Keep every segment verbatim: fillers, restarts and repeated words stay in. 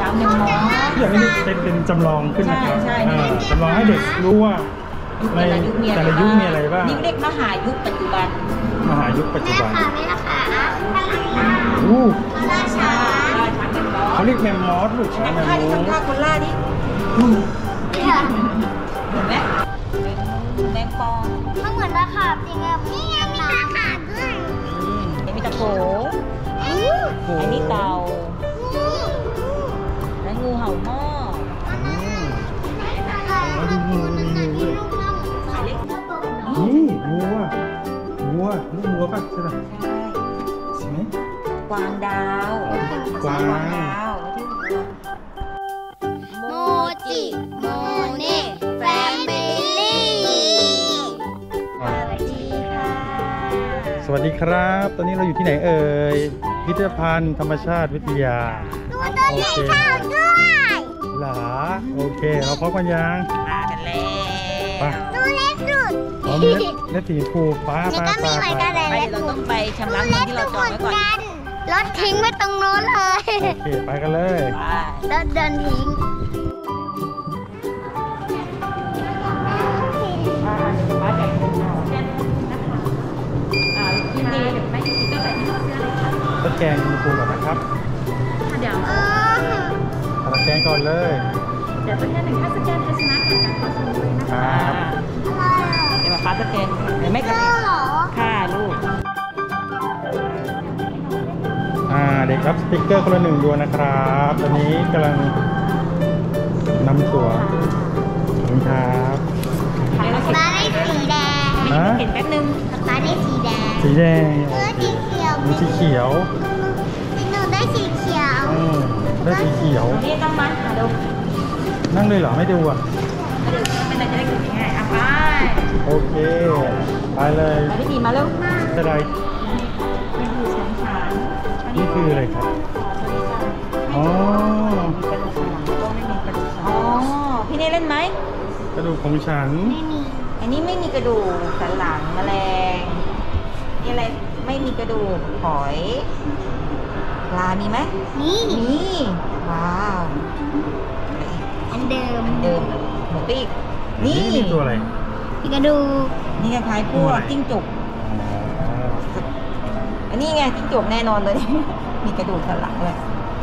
าวหนึ่งหมออย่างนี้เป็นเป็นจำลองขึ้นนะครับใช่จำลองให้เด็กรู้ว่าในแต่ละยุคมีอะไรบ้างนี่เรียกมหายุคปัจจุบันมหายุคปัจจุบันแม่ค่ะแม่ค่ะอู้ราชาเขาเรียกแมมมอสลูกช้างแมมมอสทำท่าคนล่าดิเห็นไหมแมงปองมันเหมือนตะขาบจริงอะนี่ไงมีตะขาบด้วยมีตะโขงอันนี้เต่าและงูเห่าหม้อนี่งูอ่ะงูอ่ะลูกงูป่ะใช่ไหมใช่ไหมกวางดาวกวางดาวโมจิโมเน่แฟมิลี่สวัสดีค่ะสวัสดีครับตอนนี้เราอยู่ที่ไหนเอ่ยพิพิธภัณฑ์ธรรมชาติวิทยาดูต้นไม้ข้าวด้วยหรอโอเคเราพร้อมกันยังมากันแล้วดูเล็กสุดอ๋อมีเล็กสีฟูฟ้าฟ้าฟ้าไปเราต้องไปชำระเงินที่เราจองไว้ก่อนรถทิ้งไว้ตรงโน้นเลยโอเคไปกันเลยรถเดินทิ้งตะแกงมีปูก่อนนะครับเดี๋ยวตะแกงก่อนเลยเดี๋ยวตัวแทนหนึ่งค่าสแกนไทยชนะก่อนการเข้าชมเลยนะคะเดี๋ยวมาฟ้าสแกนเดี๋ยวไม่กระดิกค่ะลูกอ่าเด็กรับสติ๊กเกอร์คนละหนึ่งดวงนะครับตอนนี้กำลังนำตั๋วขอบคุณครับป้าได้สีแดงนะเห็นแป๊บนึงป้าได้สีแดงสีแดงเออสีเขียวมีสีเขียวหนูได้สีเขียวได้สีเขียวนี่ต้องมาหาดูนั่งเลยเหรอไม่ดูอ่ะไม่ดูไม่ได้จะได้กินง่ายอ่ะไปโอเคไปเลยไปที่ดีมาแล้วจะได้นี่คืออะไรครับอ๋ออ๋อพี่เน่เล่นไหมกระดูกของฉันไม่มีอันนี้ไม่มีกระดูกสันหลังแมลงนี่อะไรไม่มีกระดูกหอยปลามีไหมนี่นี่ว้าวอันเดิมเดิมหมูปีกนี่นี่ตัวอะไรมีกระดูกนี่คล้ายๆพวกจิ้งจกอันนี้ไงจิ้งจกแน่นอนเลยมีกระดูกสันหลังเลย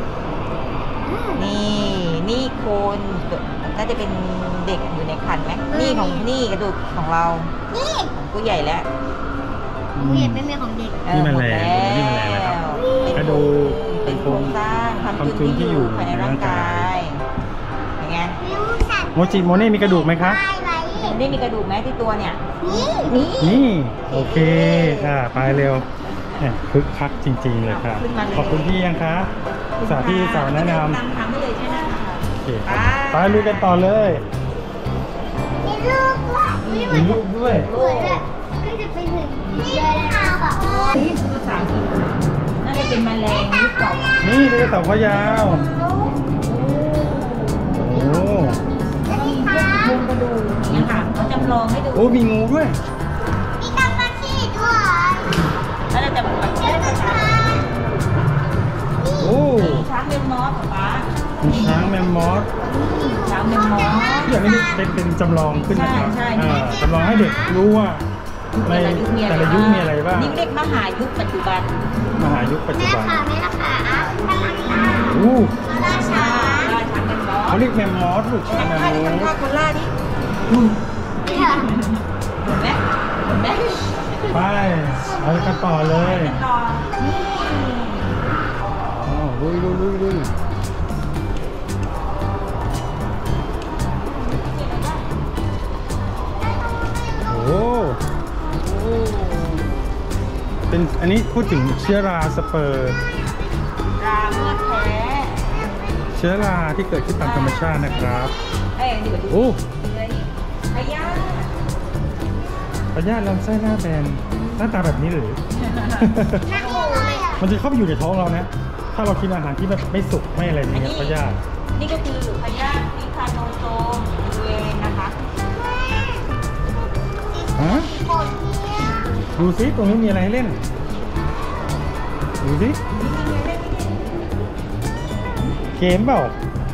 นี่นี่โคนน่าจะเป็นเด็กอยู่ในครรภ์ไหมนี่ของนี่กระดูกของเรานี่ของผู้ใหญ่แล้วผู้ใหญ่ไม่มีของเด็กนี่มันแรงนี่มันแรงนะครับกระดูกเป็นโครงสร้างความจุนที่อยู่ภายในร่างกายอย่างเงี้ยโมจิโมเน่มีกระดูกไหมคะนี่มีกระดูกไหมที่ตัวเนี่ยนี่นี่โอเคค่ะไปเร็วคึกคักจริงๆเลยค่ะขอบคุณพี่ยังคะสาพี่สาวแนะนำตามทางได้เลยใช่ไหมโอเคไปลุยกันต่อเลยมีลูกด้วยมีลูกด้วยเหมือนแบบก็จะไปถึงนี่ค่ะแบบนี่ภาษาอังกฤษน่าจะเป็นแมลงยุคเก่านี่เป็นเต่าขยาวโอ้มีพวกกระดูกเนี่ยค่ะเขาจำลองให้ดูโอ้มีงูด้วยมีตะปาชีด้วยแล้วเราจะมาเชื่อภาษาโอ้ช้างแมมมอสป๊าช้างแมมมอสช้างแมมมอสอย่างนี้เป็นเป็นจำลองขึ้นนะครับจำลองให้เด็กรู้ว่าในแต่ละยุคมีอะไรบ้างนี่เรียกมหายุคปัจจุบันมหายุคปัจจุบันแม่ค่ะแม่ค่ะอู้ราชาเขาเรียกแมมมอสลูกช้างแมมมอสทำท่าคนล่าดิเห็นไหมเห็นไหมไปเอากันต่อเลยต่อนี่อ๋อลุยลุยลุยลุยโอ้เป็นอันนี้พูดถึงเชื้อราสเปิร์ราเมื่อแท้เชื้อราที่เกิดขึ้นตามธรรมชาตินะครับโอ้พยาธิพยาธิลำไส้หน้าแบนหน้าตาแบบนี้หรือมันจะเข้าไปอยู่ในท้องเรานะถ้าเรากินอาหารที่แบบไม่สุกไม่อะไรอย่างเงี้ยพยาธินี่ก็คือพยาธินิคาโนโซมเวนะคะฮะดูซิตรงนี้มีอะไรให้เล่นดูซิเกมเปล่า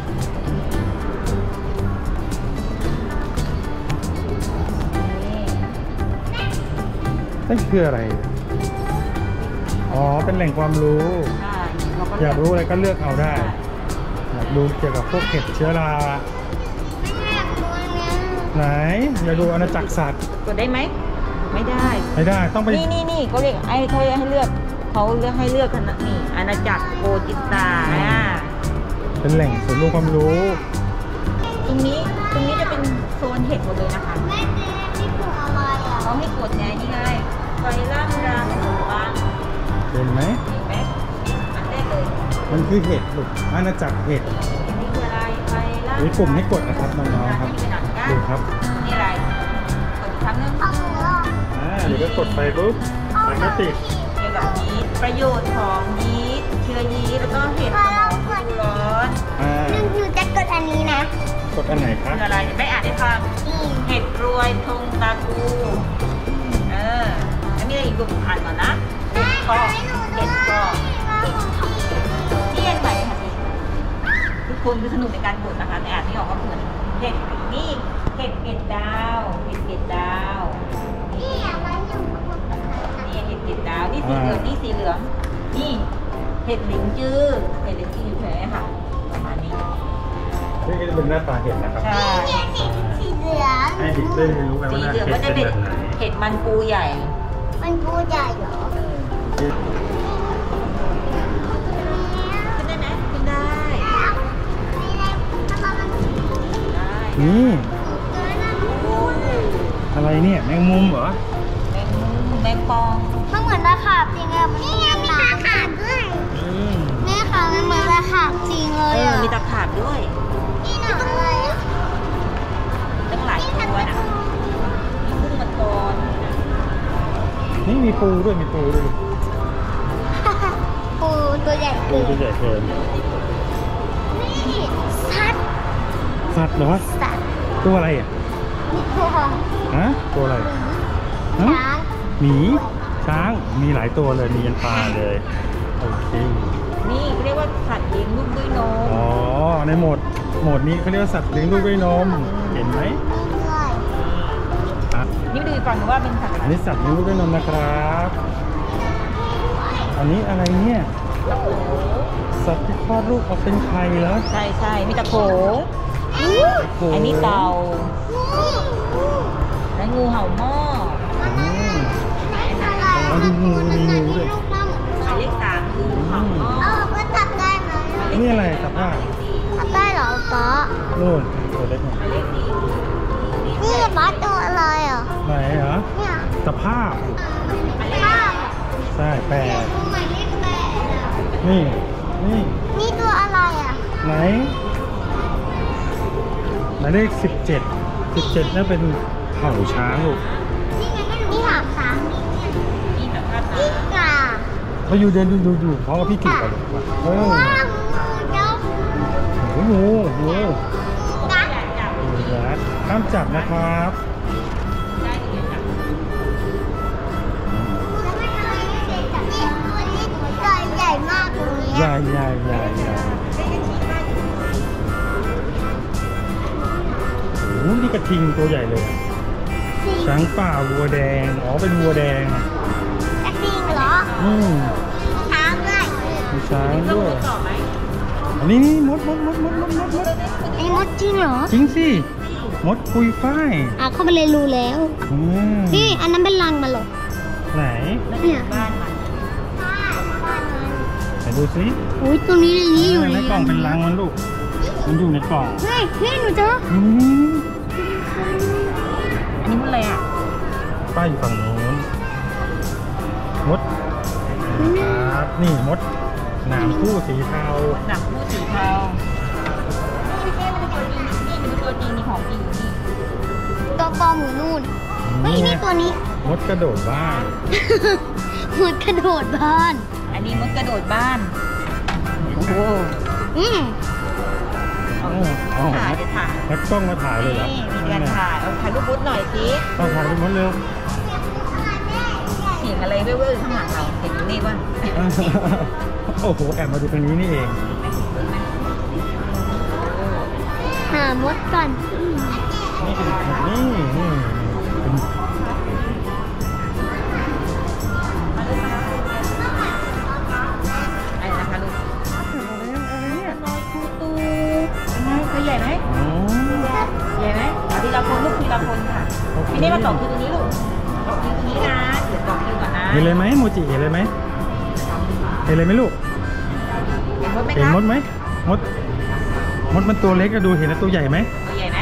นั่นคืออะไรอ๋อเป็นแหล่งความรู้ใช่เราก็อยากรู้อะไรก็เลือกเอาได้อยากดูเกี่ยวกับพวกเห็ดเชื้อราไหนอยากดูอาณาจักรสัตว์กดได้ไหมไม่ได้ไม่ได้ต้องไปนี่นี่นี่เขาเรียกไอ้เขาให้เลือกเขาเลือกให้เลือกกันนะนี่อาณาจักรโกจิตาอ่าเป็นแหล่งศูนย์รวมความรู้ตรงนี้ตรงนี้จะเป็นโซนเห็ดหมดเลยนะคะแม่เจ๊ที่ปลูกอะไรอ่ะเขาให้กดไงนี่ไงไฟล่างรางหลวงเห็นไหมเห็นไหมอันแรกเลยมันคือเห็ดลูกอาณาจักรเห็ดอันนี้คืออะไรไฟล่างมีปุ่มให้กดนะครับน้องๆครับดูครับนี่อะไรกดอีกครั้งหนึงเอาหมูอ่ะอ่าเดี๋ยวก็กดไปปุ๊บมันก็ติดเกี่ยวกับยีสต์ประโยชน์ของยีสต์เชื้อยีสต์แล้วก็เห็ดสมองฟูร้อนอ่าหนึ่งหนูจะกดอันนี้นะกดอันไหนครัคืบออะไรไม่อ่านให้ฟังนี่เห็ดรวยทงตากูเออแล้วมีอะไรอีกลูกอ่านก่อนนะเห็ดกอกเห็ดกอกที่เห็นใหม่ค่ะทุกคนคือสนุกในการกดนะคะในอ่านที่ออกก็เหมือนเห็ดนี่เห็ดเห็ดดาวเห็ดเห็ดดาวนี่อ่ะมันอยู่นี่เห็ดเห็ดดาวนี่สีเหลืองนี่สีเหลืองนี่เห็ดหลิงจื้อเห็ดหลิงจื้ออยู่แถวนี้ค่ะประมาณนี้นี่ก็จะเป็นหน้าตาเห็ดนะครับใช่เนี่ยสีสีเหลืองให้เด็กได้เรียนรู้กันสีว่าเหลืองก็จะเห็เป็นดเป็นแบบไหนเห็ดมันปูใหญ่มันพูดใหญ่เหรอขึ้นได้ไหมขึ้นได้ไม่ได้ทำไมมันได้นี่เกินอ่ะโอ้อะไรเนี่ยแมงมุมเหรอแมงมุมแมงปองมันเหมือนตะขาบจริงอะนี่ไงมีตะขาบด้วยอืมแม่ค่ะมันเหมือนตะขาบจริงเลเอย ออะมีตะขาบด้วยนี่หนูอะไรอะตั้งหลายตัวนะมีกุ้งมังกรนี่มีปูด้วยมีปูด้วยปูตัวใหญ่ปูเกินตัวใหญ่เกินนี่สัตว์สัตว์เหรอสัตว์ตัวอะไรอ่ะนี่ตัวฮะตัวอะไรฮะช้างหมีช้างมีหลายตัวเลยมียันปลาเลยโอเคนี่เรียกว่าสัตว์เลี้ยงลูกด้วยนมอ๋อในโหมดโหมดนี้เขาเรียกว่าสัตว์เลี้ยงลูกด้วยนมเห็นไหมนี่ด้วยอ่ะนี่ไปดูอีกฝั่งหนึ่งว่าเป็นสัตว์อะอันไรนี้สัตว์เลี้ยงลูกด้วยนมนะครับอันนี้อะไรเนี่ยตะโขสัตว์ที่คลอดลูกออกเป็นไข่เหรอใช่ใช่มีตะโขโอ้โหอันนี้เต่านี่และงูเห่าหม้ออืมอะไรเอาดูงูมีงูด้วยลูกน้ำหมายเลขสามงูเห่าหม้อเออก็จับได้ไหมนี่อะไรสับผ้าจับได้เหรอป๊านู่นตัวเล็กหน่อยหมายเลขสี่นี่ป๊าตัวอะไรอ่ะไหนเหรอเนี่ยสภาพภาพใช่แปดตัวหมายเลขแปดอะนี่นี่นี่ตัวอะไรอ่ะไหนหมายเลขสิบเจ็ดสิบเจ็ดนั่นเป็นเผ่าช้างลูกนี่ไงก็นี่หางสามนี่เนี่ยนี่แบบว่านี่กาเขาอยู่เดินดูดูดูเพราะว่าพี่กิ่งไปเลยมาเออว้าวงูเจ้าโอ้โหงูงูกัดอยากจับงูยัดห้ามจับนะครับได้หรือยังจับแล้วไม่ทำไมไม่เด็กจับนี่ตัวนี้ตัวใหญ่มากตรงนี้ใหญ่ใหญ่ใหญ่ใหญ่โอ้โหนี่กระทิงตัวใหญ่เลยอะช้างป่าวัวแดงอ๋อเป็นวัวแดงกระทิงเหรออืมช้างด้วยมีช้างต้องด้วยดูต่อไหมอันนี้นี่มดมดมดมดมดมดมดไอ้มดจริงเหรอจริงสิมดปุยฝ้ายอ่ะเข้าไปเลยรู้แล้วอืมนี่อันนั้นเป็นรังมันเหรอไหนเนี่ยบ้านมันไหนดูสิอุ้ยตัวนี้ในนี้อยู่ในกล่องเป็นรังมันลูก มันอยู่ในกล่องเฮ้ยนี่หนูเจออืมอันนี้มันอะไรอ่ะป้ายอยู่ฝั่งโน้นมดครับนี่มดหนามคู่สีเทาหนังผู้สีเทานี่ไม่ใช่มันตัวจริงนี่มันตัวจริงนี่ของจริงอยู่นี่ตัวปลอมอยู่นู่นเฮ้ยนี่ตัวนี้มดกระโดดบ้านหมดกระโดดบ้านอันนี้มันกระโดดบ้านโอ้โหอืมเอาเอาถ่ายจะถ่ายนักกล้องมาถ่ายเลยเหรอนี่มีการถ่ายเอาถ่ายรูปบุ๊หน่อยสิต้องถ่ายรูปมดเร็วเสียงอะไรเว่อร์ๆข้างหลังเราเห็นอยู่นี่ป่ะโอ้โหแอบมาดูตรงนี้นี่เองหามดก่อนนี่เป็นนี่นี่เป็นใหญ่ไหมอ๋อใหญ่ไหมเอาทีละคนลูกทีละคนค่ะโอเคพี่นี่มาต่อคิวตรงนี้ลูกต่อคิวตรงนี้นะเดี๋ยวต่อคิวก่อนนะเห็นเลยไหมโมจิเห็นเลยไหมเห็นเลยไหมลูกเห็นมดไหมเห็นคะมดไหมมดมดมันตัวเล็กก็ดูเห็นแล้วตัวใหญ่ไหมตัวใหญ่ไหม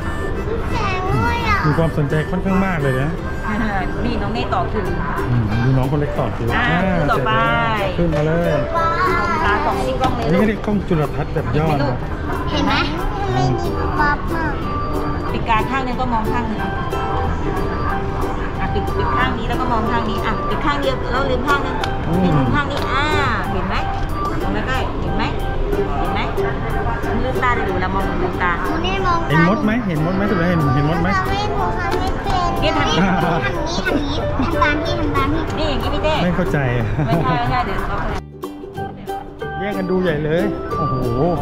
มีความสนใจค่อนข้างมากเลยนะนี่น้องเน่ต่อคิวอืมดูน้องคนเล็กต่อคิวอ่าอ่าคิวต่อไปเสร็จแล้วขึ้นมาเลยตาสองที่กล้องเลยอันนี้ลูก็กเรียกกล้องจุลทรรศน์แบบย่อนะเห็นไหมไม่มีป๊อปอ่ะปิดการข้างนึงก็มองข้างนึงอ่ะปิดปิดข้างนี้แล้วก็มองข้างนี้อ่ะปิดข้างเดียวแล้วลืมข้างนึงลืมข้างนี้อ่าเห็นไหมมองใกล้ๆเห็นไหมเห็นไหมลืมตาได้ดูแล้วมองลืมตาหนูนี่มองเห็นมดไหมเห็นมดไหมตัวเห็นเห็นมดไหมทำไม่หนูทำไม่เป็นเนี่ยทำทำนี้ทำนี้ทำตามที่ทำตามที่นี่อย่างนี้พี่เต้ไม่เข้าใจไม่ใช่ไม่ใช่เดี๋ยวเราแย่งกันดูใหญ่เลยโอ้โห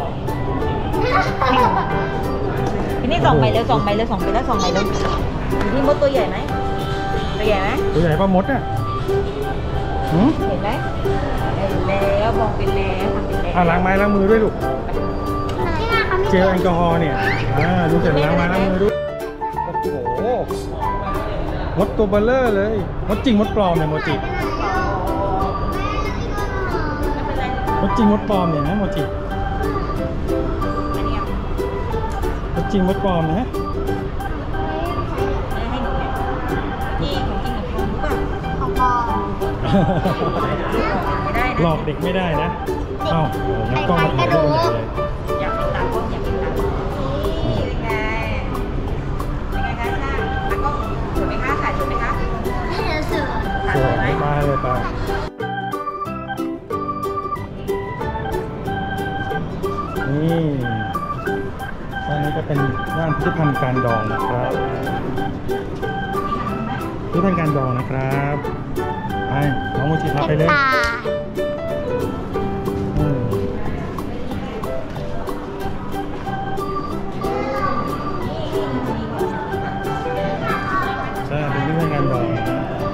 ทีนี้ส่องไปแล้วส่องไปแล้วส่องไปแล้วส่องไปแล้วอยู่ที่มดตัวใหญ่ไหมตัวใหญ่ไหมตัวใหญ่ป่ะมดอ่ะหืมเห็นไหมเห็นแล้วมองเป็นแล้วทำเป็นแล้วอ่ะล้างไม้ล้างมือด้วยลูกที่มาเขาไม่เจลแอลกอฮอล์เนี่ยอ่าดูเสร็จล้างไม้ล้างมือด้วยโอ้โหมดตัวเบลเลอร์เลยมดจริงมดปลอมเนี่ยโมจิไม่เป็นไรมดจริงมดปลอมเนี่ยนะโมจิอันนี้มดจริงมดปลอมนะให้หนูเนี่ยนี่ของจริงของปลอมรู้ป่ะของปอไม่ได้นะหลอกเด็กไม่ได้นะเอ้าโอ้โหงั้นกล้องมาถ่ายรูปใหญ่เลยอยากเป็นตากล้องอยากเป็นตากล้องนี่เป็นไงเป็นไงคะช่างตากล้องสวยไหมคะถ่ายสวยไหมคะให้เราเสือถ่ายสสววยยไหมไปเลยไปนี่ด้านนี้ก็เป็นด้านพิพิธภัณฑ์การดองนะครับพิพิธภัณฑ์การดองนะครับไปน้องโมจิพาไปเลยตาอืมใช่เป็นพิพิธภัณฑ์การดองนะ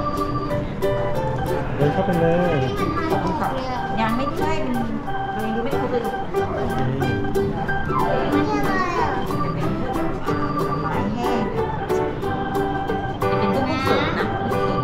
เดินเข้าไปเลยขอบคุณค่ะยังไม่ใช่มันเรายังดูไม่ครบเลยลูกโอเคไม่ใช่อะไรอ่ะไม้แห้งจะเป็นพวกสดนะ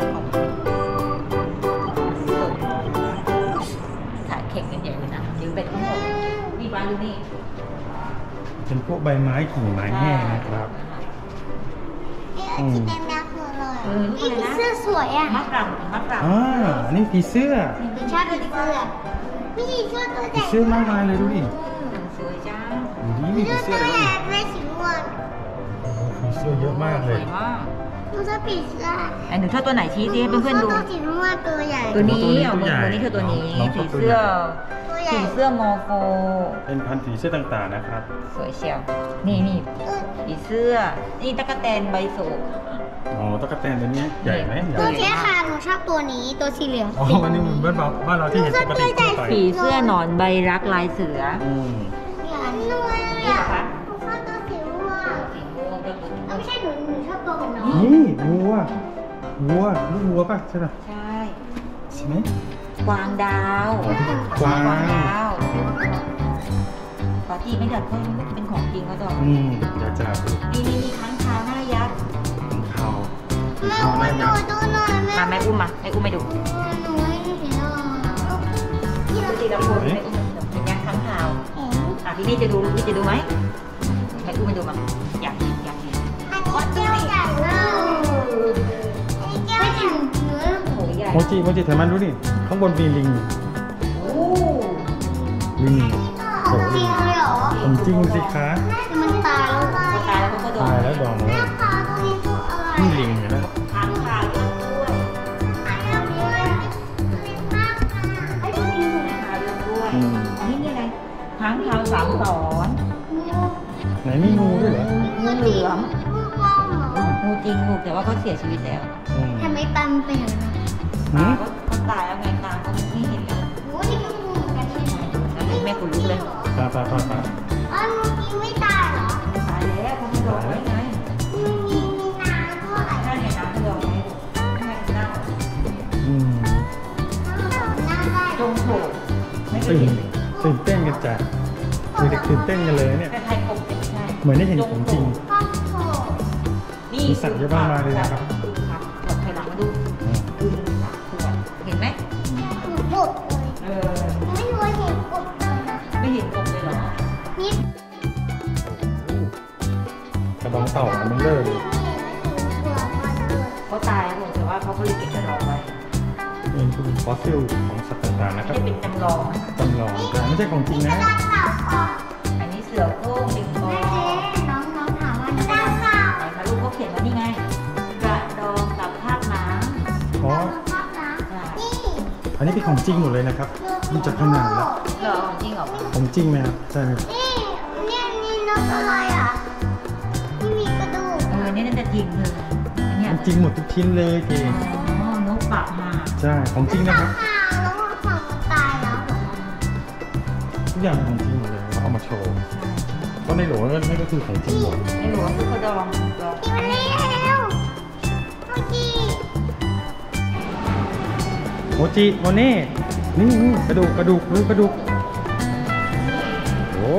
สดถ่ายเค้กกันใหญ่เลยนะเดี๋ยวเป็นทั้งหมดนี่บ้านดูนี่เป็นพวกใบไม้กิ่งไม้แห้งนะครับเอ๊ะสีแดงแดงคืออะไรนี่ผีเสื้อสวยอ่ะมะกรังมะกรังอ่าอันนี้ผีเสื้อผีชอบผีเสื้อไม่ใช่เสื้อตัวผีใหญ่เสื้อมากมายเลยดูดิสวยจังนี่มีเสื้ผีอเสื้ตัอวอะไรใหญ่บ้างไม่สีม่วงโอ้โหผีเสื้อเยอะมากสเลวย ยมากดูเสื้อผีเสื้อไอ้หนูชอบตัวไหนชี้สิให้เพื่อนๆดูตัวสีม่วงตัวใหญ่ตัวนี้เอาตัวนี้คือตัวนี้ผีเสื้อตัวใหญ่ผีเสื้อมอร์โฟเป็นพันธุ์ผีเสื้อต่างๆนะครับสวยเชียวนี่นี่ผีเสื้อ นี่ตะกแตนใบโศกอ๋อตะกั่วแตนตัวนี้ใหญ่ไหมใหญ่ตัวเนี้ยค่ะหนูชอบตัวนี้ตัวสีเหลืองอ๋ออันนี้เหมือนบ้านเราบ้านเราที่เห็นปกติทั่วไปผีเสื้อหนอนใบรักลายเสืออืมอันนี้ด้วยนี่เหรอคะหนูชอบตัวสีม่วงสีม่วงก็คือเอ้าไม่ใช่หนูหนูชอบตัวเหมือนน้องนี่วัววัวลูกวัวป่ะใช่ป่ะใช่ใช่ไหมกวางดาวกวางดาวขอทีไม่เดือดเพราะมันเป็นของจริงก็ต้องอืมเดี๋ยวจะนี่นี่นี่ค้างคาวหน้ายักษ์ของเขาแม่เขาอุ้มหน้าดูยักษ์ดูหน่อยแม่มาแม่อุ้มมาแม่อุ้มไปดูหนูไม่เห็นหรอกดูทีละคนแม่อุ้มเป็นยักษ์ค้างคาวเห็นอ่ะพี่นี่จะดูพี่จะดูไหมแม่อุ้มไปดูมาอยากเห็นอยากเห็นอันนี้แก้วใหญ่มากอันนี้แก้วใหญ่เนื้อโอ้ยใหญ่โมจิโมจิถ่ายมันดูดิข้างบนมีลิงโอ้ลิงโอ้จริลิงงเลยเหรอผมจริงสิคะมันตายแล้วตายแล้วเขาก็โดนตายแล้วดองเลแม่ยคะตัวนี้ตัวอะไรนี่ลิงเห็นไหมค้างคาวด้วยอันนี้ด้วยเป็นมากค่ะไอ้ตัวนี้ค้างคาวด้วยอืมนี่นี่อะไรค้างคาวสามสอนไหนมีงูด้วยเหรองูเหลือมงูว่องเหรองูจริงงูแต่ว่าเขาเสียชีวิตแล้วอืมทำไมตามเป็นอย่างนั้นหืมเขาเขาตายแล้วไงตาเขาไม่เห็นแล้วโอ้นี่ก็งูเหมือนกันใช่ไหมแล้วแม่ขนลุกเลยปลาปลาปลาปลาอ๋องูกินไม่ตายเหรอตายแล้วเขาไม่บอกไว้ไงมีมีมีน้ำด้วยถ้าในน้ำไม่บอกไว้ไม่ให้เน่าอืมน้ำได้จงโผล่ไม่เคยตื่นเห็นตื่นเต้นกันจ้ะเด็กๆตื่นเต้นกันเลยเนี่ยแต่ไทยคงเป็นใช่เหมือนได้เห็นของจริงข้าวโพดนี่มีสัตว์เยอะมากมายเลยนะครับดูครับขวดไข่หลังมาดูอืมดูสัตว์ขวดเห็นไหมหนูกบเลยเออไม่รู้ว่าเห็นกบเลยนะไม่เห็นกบเลยเหรอนี่กระดองเต่ามันเลอะเลยตัวมันเลยเขาตายหมดแต่ว่าเขาก็เลยเก็บกระดองไว้นี่คือฟอสซิลของสัตว์ต่างๆนะคไม่รับได้เป็นจำลองนะคะจำลองแต่ไม่ใช่ของจริงนะกระดาษเต่าก่อนอันนี้เสือโคร่งลิงกอแม่ไหนเจ๊น้องน้องถามว่าน้องเต่าเต่ามาลูกเขาเขียนว่านี่ไง กระดองกับภาพน้อ๋อภาพนะนี่อันนี้เป็นของจริงหมดเลยนะครับดูจากขนาดแล้วำเหรอจริงเหรอของจริงไหมครับใช่ไหมนี่เนี่ยนี่นกอะไรอ่ะที่มีกระดูกเออนี่น่าจะจริงเลยอันเนี่ยมันจริงหมดทุกชิ้นเลยเองอ๋อนกปากห่าใช่ของจริงนะครับข่าวแล้วว่าฝั่งมันตายแล้วเหรอทุกอย่างของจริงหมดเลยเราเอามาโชว์ก็ในหลวงนั่นก็คือของจริงหมดไม่รู้ว่าคือกระดองดองที่มันนี่แล้วเมื่อกี้โมจิโมเน่นี่นี่กระดูกกระดูกดูกระดูกโอ้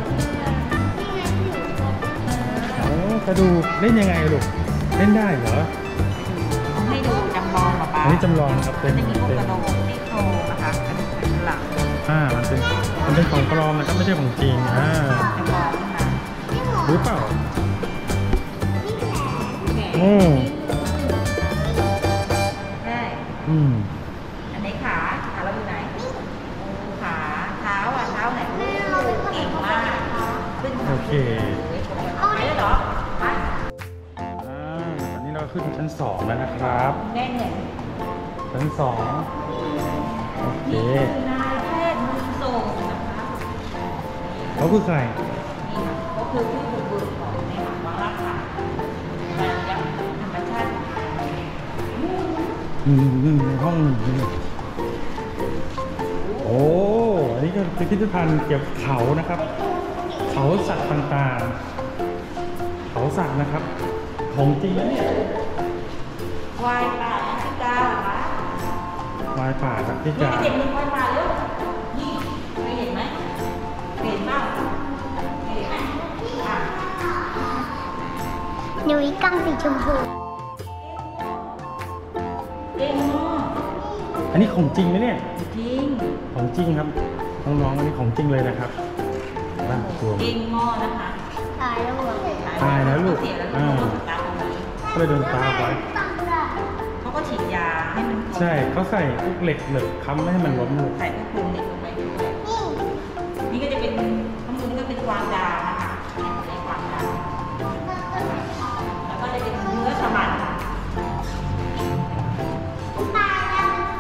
โอ้กระดูกเล่นยังไงลูกเล่นได้เหรอให้ดูจำลองเหรอป้าอันนี้จำลองนะครับมัเป็น นจะมีพวกเป็นกระดองซี่โครงนะคะกระดูกสันหลังอ่ามันเป็นมันเป็นของปลอมนะครับไม่ใช่ของจริงอ่าจำลองขึ้นมานี่หมอรู้เปล่านี่แขนแขนอืมใช่อืมอันไหนขาขาเราอยู่ไหนขาเท้าอ่ะเท้าไหนโอ้เก่งมากขึ้นโอเคเอาไปแล้วเหรอไปอ่าตอนนี้เราขึ้นชั้นสองแล้วนะครับแน่นเนี่ยชั้นสองโอเคนี่คือนายแพทย์มือส่งนะคะเขาคือใครนี่ค่ะก็คือผู้บุกเบิกของในหลักวาระค่ะการยักธรรมชาติอืมอืมในห้องนี่โอ้อันนี้ก็เป็นพิพิธภัณฑ์เกี่ยวกับเขานะครับ เขาสัตว์ต่างๆ เขาสัตว์นะครับ ของจริงนะเนี่ยควายป่าแอฟริกาเหรอคะวายป่าครับที่นี่จะเด็กมีควายป่าแล้วนี่เคยเห็นไหมเคยเห็นบ้างเคยเห็นไหมอ่ะหนูอีกังสีชมพูเก่งมากอันนี้ของจริงไหมเนี่ยจริงของจริงครับน้องๆอันนี้ของจริงเลยนะครับบ้านตัวเก่งมากนะคะตายแล้วเหรอตายแล้วลูกเสียแล้วลูอ่ากตาตรงนี้ก็เลยโดนตาไว้เขาก็ฉีดยาให้มันใช่เขาใส่พวกเหล็กเหล็กค้ำไม่ให้มันล้มลูกใส่พวกกลุ่มเด็กลงไปด้วยนี่นี่ก็จะเป็นข้างบนนี่ก็เป็นกวางดาวนะคะในกวางดาวแล้วก็จะเป็นเนื้อสมันตายแล้ว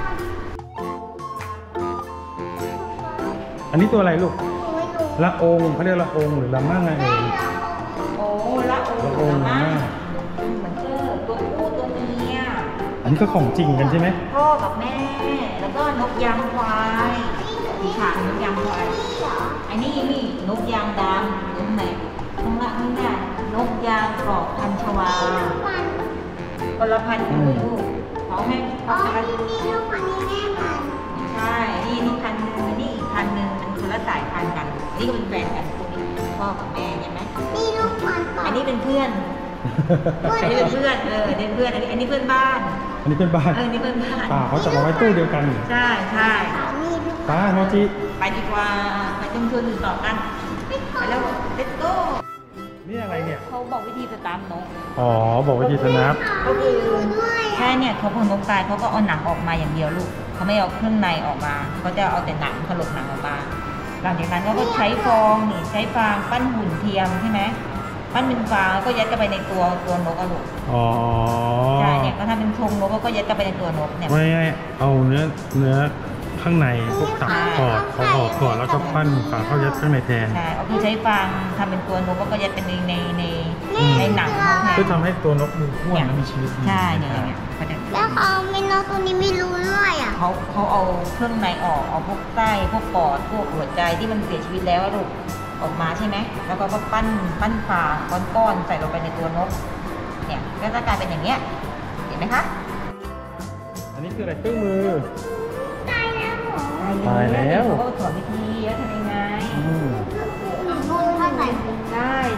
อันนี้ตัวอะไรลูกหนูไม่รู้ละองเขาเรียกละองหรือละมั่งไงเอ่ยโอ้ละโอ้ละองละมั่งเหมือนเจอตัวผู้ตัวเมียอันนี้ก็ของจริงกันใช่ไหมพ่อกับแม่ แล้วก็นกยางควายสีขานกยางควายนี่เหรออันนี้นี่นกยางดำตรงไหนข้างล่างนี่น่ะนกยางกรอบพันชวามันคนละพันกันเลยลูกเขาให้อ๋เขาอจะนี่นี่ลูกมันนี่แม่มันใช่ นี่นี่พันหนึ่งอันนี่อีกพันหนึ่งมันคนละสายพันธุ์กัน อันนี้ก็เป็นแฟนกันพวกนี้พ่อกับแม่ใช่ไหมนี่ลูกมันก่ออันนนี้เป็นเพื่อน อันนี้เป็นเพื่อน เอออันนี้เป็นเพื่อน อันนี้อันนี้เพื่อนบ้านอันนี้เป็นบ้านเอออันนี้เพื่อนบ้านป่าเขาจะมาไว้ตู้เดียวกันใช่ใช่นี่ลูกป้าโมจิไปดีกว่า ไปชุมชนอื่นต่อกัน ไปแล้ว let's go นี่อะไรเนี่ยเขาบอกวิธีสตาร์ทนกอ๋อ บอกว่าจีสนับก็คือด้วยแค่เนี่ยเขาพอนกตายเขาก็เอาหนังออกมาอย่างเดียวลูกเขาไม่เอาเครื่องในออกมาเขาจะเอาแต่หนังถลกหนังออกมาหลังจากนั้นเขาก็ใช้ฟองนี่ใช้ฟางปั้นหุ่นเทียมใช่ไหมปั้นเป็นฟางแล้วก็ยัดเข้าไปในตัวตัวนกอะลูกอ๋อใช่เนี่ยก็ทำเป็นทรงนกแล้วก็ยัดเข้าไปในตัวนกเนี่ยไม่ง่ายเอาเนื้อเนื้อข้างในพวกตับกอดเขาออกก่อนแล้วก็ปั้นฝาเข้ายัดข้างในแทนใช่เอาคือใช้ฟางทำเป็นตัวนกแล้วก็ยัดเป็นในในในในหนังเขาแทนเพื่อทำให้ตัวนกดูอ้วนและมีชีวิตใช่เนี่ยอย่างเงี้ยเขาจะแล้วเขาไม่นกตัวนี้ไม่รู้ด้วยอ่ะเขาเขาเอาเครื่องในออกเอาพวกไส้พวกปอดพวกหัวใจที่มันเสียชีวิตแล้วอะลูกออกมาใช่ไหมแล้วก็ก็ปั้นปั้นฟางก้อนๆใส่ลงไปในตัวนกเนี่ยก็จะกลายเป็นอย่างเงี้ยเห็นไหมคะอันนี้คืออะไรเครื่องมือตายแล้วเหรอตายแล้วเขาก็สอนวิธีแล้วทำยังไงอืมนุ่นถ้าใส่ได้ใช่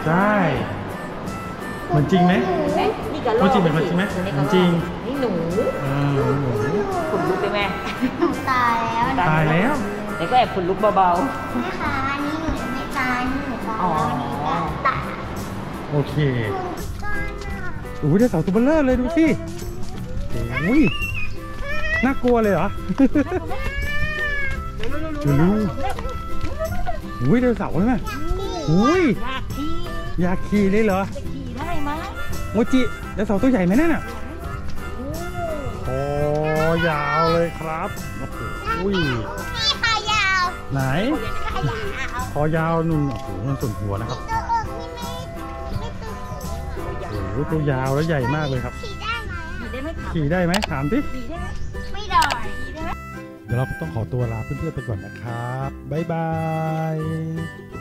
ใช่เหมือนจริงไหมเห็นไหมนี่กระรมัอน กจริงเป็นมันจริงไหมตัวนี้กมัระนรจริงอกนี่หนูอ่าหนูขนลุกไปไหมตายแล้วตายแล้วแต่ก็แอบขนลุกเบาแม่คะอันนี้หนูยังไม่ตายหนูตายแล้วอันนี้ก็ตายโอเคโอ้ยได้เสาตัวเบลเลอร์เลยดูสิโอ้ยน่ากลัวเลยเหรอๆดูดูอุ้ยเดินเสาเลยไหมอุ้ยอยากขี่อยากขี่เลยเหรอจะขี่ได้ไหมโมจิเดินเสาตัวใหญ่ไหมนั่นน่ะโอ้ยาวเลยครับโอ้โหอุ้ยนี่ขายาวไหนขายาวคอยาวนุ่นโอ้โหมันส่วนหัวนะครับตัวอกนี่ไม่ไม่ตัวสูงโอ้โหตัวยาวแล้วใหญ่มากเลยครับขี่ได้ไหมขี่ได้ไหมถามขี่ได้ไหมถามดิขี่ได้ไหมไม่ได้ขี่ได้ไหมเดี๋ยวเราต้องขอตัวลาเพื่อนๆไปก่อนนะครับบ๊ายบาย